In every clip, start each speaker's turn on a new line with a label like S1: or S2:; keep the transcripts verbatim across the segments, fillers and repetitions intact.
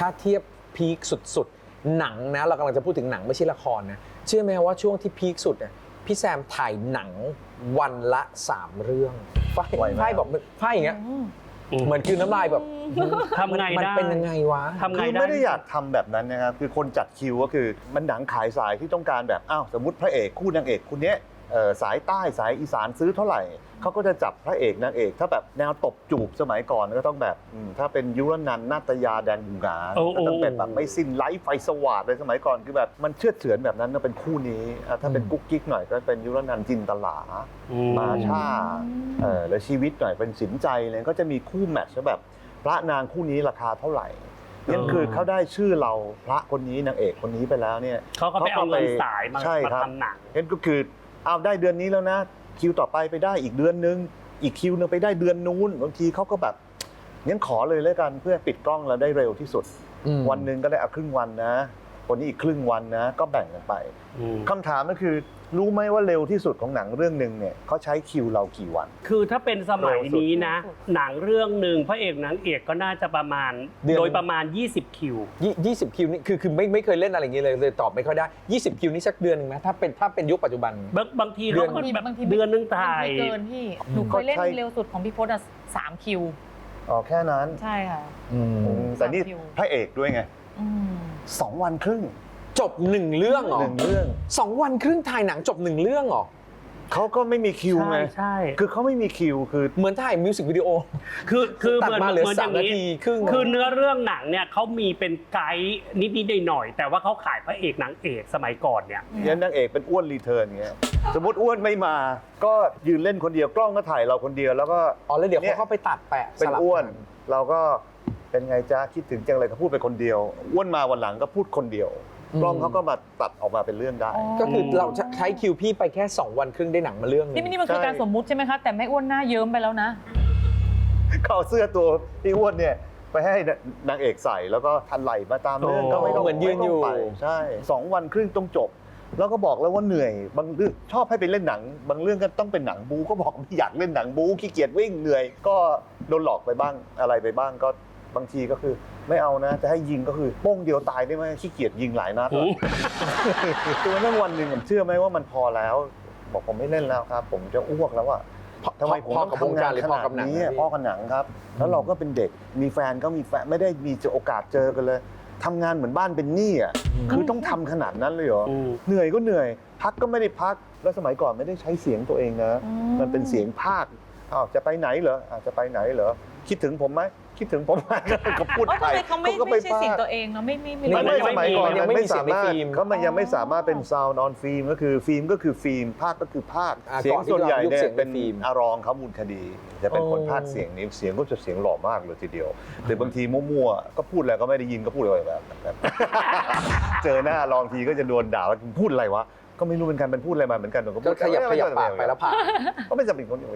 S1: ถ้าเทียบพีคสุดๆหนังนะเรากำลังจะพูดถึงหนังไม่ใช่ละครนะเชื่อไหมว่าช่วงที่พีคสุดเนี่ยพี่แซมถ่ายหนังวันละสามเรื่องฝ้ายฝ้ายบอกฝ้ายอย่างเงี้ยเหมือนคือน้ำลายแบบ
S2: ทำไง
S1: มัน
S2: ได้
S1: เป็นยังไงวะ
S2: ทำไง
S3: คือ
S2: ได้
S3: ไม่ได้อยากทำแบบนั้นนะครับคือคนจัดคิวก็คือมันหนังขายสายที่ต้องการแบบอ้าวสมมติพระเอกคู่นางเอกคนนี้เอ่อสายใต้สายอีสานซื้อเท่าไหร่เขาก็จะจับพระเอกนางเอกถ้าแบบแนวตบจูบสมัยก่อนก็ต้องแบบอืมถ้าเป็นยุรนันท์นาตยาแดนบุงกา
S2: โอ้
S3: ก็ต้องเป็นแบบไม่สิ้นไร้ไฟสว่างเลยสมัยก่อนคือแบบมันเชื่อดเฉือนแบบนั้นก็เป็นคู่นี้อ่ะถ้าเป็นกุ๊กกิ๊กหน่อยก็เป็นยุรนันท์จินตลา
S2: อืม
S3: มาชาเออแล้วชีวิตหน่อยเป็นสินใจเลยก็จะมีคู่แมทช์แบบพระนางคู่นี้ราคาเท่าไหร่นั่นคือเขาได้ชื่อเราพระคนนี้นางเอกคนนี้ไปแล้วเนี่ย
S2: เขาก็ไปเอาเงินสายมา
S3: ใช่
S2: มา
S3: ครับ
S2: ทำหนัง
S3: นั่นก็คือเอาได้เดือนนี้แล้วนะคิวต่อไปไปได้อีกเดือนนึงอีกคิวนึงไปได้เดือนนู้นบางทีเขาก็แบบงั้นขอเลยแล้วกันเพื่อปิดกล้องเราได้เร็วที่สุด
S1: อืม
S3: วันหนึ่งก็ได้เอาครึ่งวันนะคนนี้อีกครึ่งวันนะก็แบ่งกันไป
S2: อืม
S3: คำถามก็คือรู้ไหมว่าเร็วที่สุดของหนังเรื่องหนึ่งเนี่ยเขาใช้คิวเรากี่วัน
S2: คือถ้าเป็นสมัยนี้นะ หนังเรื่องหนึ่งพระเอกนางเอกก็น่าจะประมาณ
S1: เดือน
S2: โดยประมาณ ยี่สิบ คิว
S1: ยี่ยี่สิบคิวนี่คือคือไม่ไม่เคยเล่นอะไรอย่างเงี้ยเลยเลยตอบไม่ค่อยได้ยี่สิบคิวนี่สักเดือนหนึงไหมถ้าเป็นถ้าเป็นยุคปัจจุบัน
S2: บางบางที
S1: เดื
S2: เขา
S1: อน
S2: ก็
S4: บางที
S2: แบบ
S4: บางที
S2: เดือนนึงถ่าย
S4: บางทีเกินพี่หนูเคยเล่น
S3: ก็ใช่
S4: เร็วสุดของพี่พจน์อะสามคิว
S3: อ๋อแค่นั้น
S4: ใช่ค่ะ
S1: อืม
S3: อืมแต่นี่
S4: สามคิว
S3: พระเอกด้วยไง
S4: อืม
S3: สองวันครึ่ง
S1: จบหนึ่งเรื่องเหรอ
S3: หนึ่งเรื่อง
S1: สองวันครึ่งถ่ายหนังจบหนึ่งเรื่องเหรอ
S3: เขาก็ไม่มีคิวไง
S2: ใช่ใช่
S3: คือเขาไม่มีคิวคือ
S1: เหมือนถ่ายมิวสิกวิดีโอ
S2: คือคือ
S1: ตัด
S2: เหมือน
S1: มาเหลือ
S2: มือน
S1: สามนาทีครึ่ง
S2: คือเนื้อเรื่องหนังเนี่ยเขามีเป็นไกด์นิดๆหน่อยๆแต่ว่าเขาขายพระเอกนางเอกสมัยก่อนเนี่ย
S3: ยันนางเอกเป็นอ้วนรีเทิร์นเงี้ยสมมติอ้วนไม่มา ก็ยืนเล่นคนเดียวกล้องก็ถ่ายเราคนเดียวแล้วก็
S1: อ๋อแล้วเดี๋ยว
S3: เนี่
S1: เขา
S3: ย
S1: เข้าไปตัดแปะ
S3: เป็น
S1: สลับ
S3: อ้วน
S1: กั
S3: เราก็เป็นไงจ้าคิดถึงจังเลยก็พูดไปคนเดียวอ้วนมาวันหลังก็พูดคนเดียว กล้องเขาก็มาตัดออกมาเป็นเรื่องได้
S4: อ๋อ
S1: ก็คือเราใช้คิวพี่ไปแค่สองวันครึ่งได้หนังมาเรื่องหนึ
S4: นี่
S1: ง
S4: นี่มันคือการสมมุติใช่ไหมคะแต่แม่อ้วนหน้าเยิ้มไปแล้วนะ
S3: เขาเอาเสื้อตัวพี่อ้วนเนี่ยไปให้นางเอกใส่แล้วก็ทันไหลมาตามเรื่อง
S2: โอ้
S3: ก็ไม่ต้อง
S1: เหมือนยืนอยู่
S3: ไม่ต้งไปใช่สองวันครึ่งต้องจบ แล้วก็บอกแล้วว่าเหนื่อยบางเรื่องชอบให้ไปเล่นหนัง บางเรื่องก็ต้องเป็นหนังบูก็บอกไม่อยากเล่นหนังบูขี้เกียจวิ่งเหนื่อย ก็โดนหลอกไปบ้างอะไรไปบ้างก็บางทีก็คือไม่เอานะจะให้ยิงก็คือโป้งเดียวตายได้ไหมขี้เกียจยิงหลายนัดอะคือนั่งวันหนึ่งผมเชื่อไหมว่ามันพอแล้ว บอกผมไม่เล่นแล้วครับ ผมจะอ้วกแล้วอะ ทำไมผม
S1: พ่อ
S3: ต้อง
S1: กับวง
S3: ทำ
S1: การ
S3: งาน
S1: หรือ
S3: ข
S1: พ่อ
S3: นาด
S1: กับหนัง
S3: นี้
S1: นะ
S3: อะ
S1: พี่
S3: พ่อกับหนังครับ แล้วเราก็เป็นเด็กมีแฟนก็มีแฟนไม่ได้มีโอกาสเจอกันเลยทำงานเหมือนบ้านเป็นหนี้อ่ะคือต้องทำขนาดนั้นเลยเหรอ
S2: อืม
S3: เหนื่อยก็เหนื่อย พักก็ไม่ได้พักแล้วสมัยก่อนไม่ได้ใช้เสียงตัวเองนะ
S4: อืม
S3: มันเป็นเสียงภาคอ้าวจะไปไหนเหรออ้าวจะไปไหนเหรอคิดถึงผมไหมคิดถึงผมไหมก็พูด
S4: เอ้า
S3: ไป
S4: ทำไมเขาไม่
S3: ก็
S4: ไม่ใช่
S3: พาก
S4: เสิ่งตัวเองเนาะไม่ไม่ไม่
S1: นี่
S3: ไม่
S4: รู้
S3: ไม่สมัยก่อน
S1: มันยัง
S3: มัน
S1: ไม่
S3: ไม่
S1: มีเสีย
S3: สาง
S1: ใน
S3: มารถ
S1: ฟิล์ม
S3: เขามันยังไม่สามารถเป็นซาวน์ออนฟิล์มก็คือฟิล์มก็คือฟิล์มภาคก็คือภาค
S1: อ่า
S3: เสียง
S1: ก่อนที่
S3: ส่วนใหญ่
S1: เรายุค
S3: เนี่
S1: เสี
S3: ย
S1: ยง
S3: เป็น
S1: ฟิล์ม
S3: อารองเขามูลคดี จะเป็นคน
S1: โอ้
S3: ภาคเสียงนี้เสียงก็จะเสียงหล่อมากเลยทีเดียวแต่บางทีมั่วๆก็พูดอะไรก็ไม่ได้ยินก็พูดอะไรแบบแบบ เจอหน้ารองทีก็จะโดนด่าว่าพูดอะไรวะก็ไม่รู้เป็นการเป็นพูดอะไรมาเหมือนกันผมก็
S1: ก็
S3: พูด
S1: ขยับขยับปากไปแล้วผ่าน
S3: ก็ไม่จำเป็นคนเดียว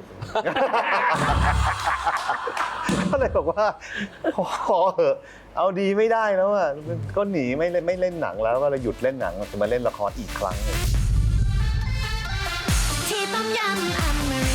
S3: ก็เลยบอกว่าขอขอเหอะเอาดีไม่ได้แล้วอ่ะก็หนีไม่เล่นไม่เล่นหนังแล้วก็เลยหยุดเล่นหนังจะมาเล่นละครอีกครั้งหนึ่ง
S5: ที่ต้มยำอเม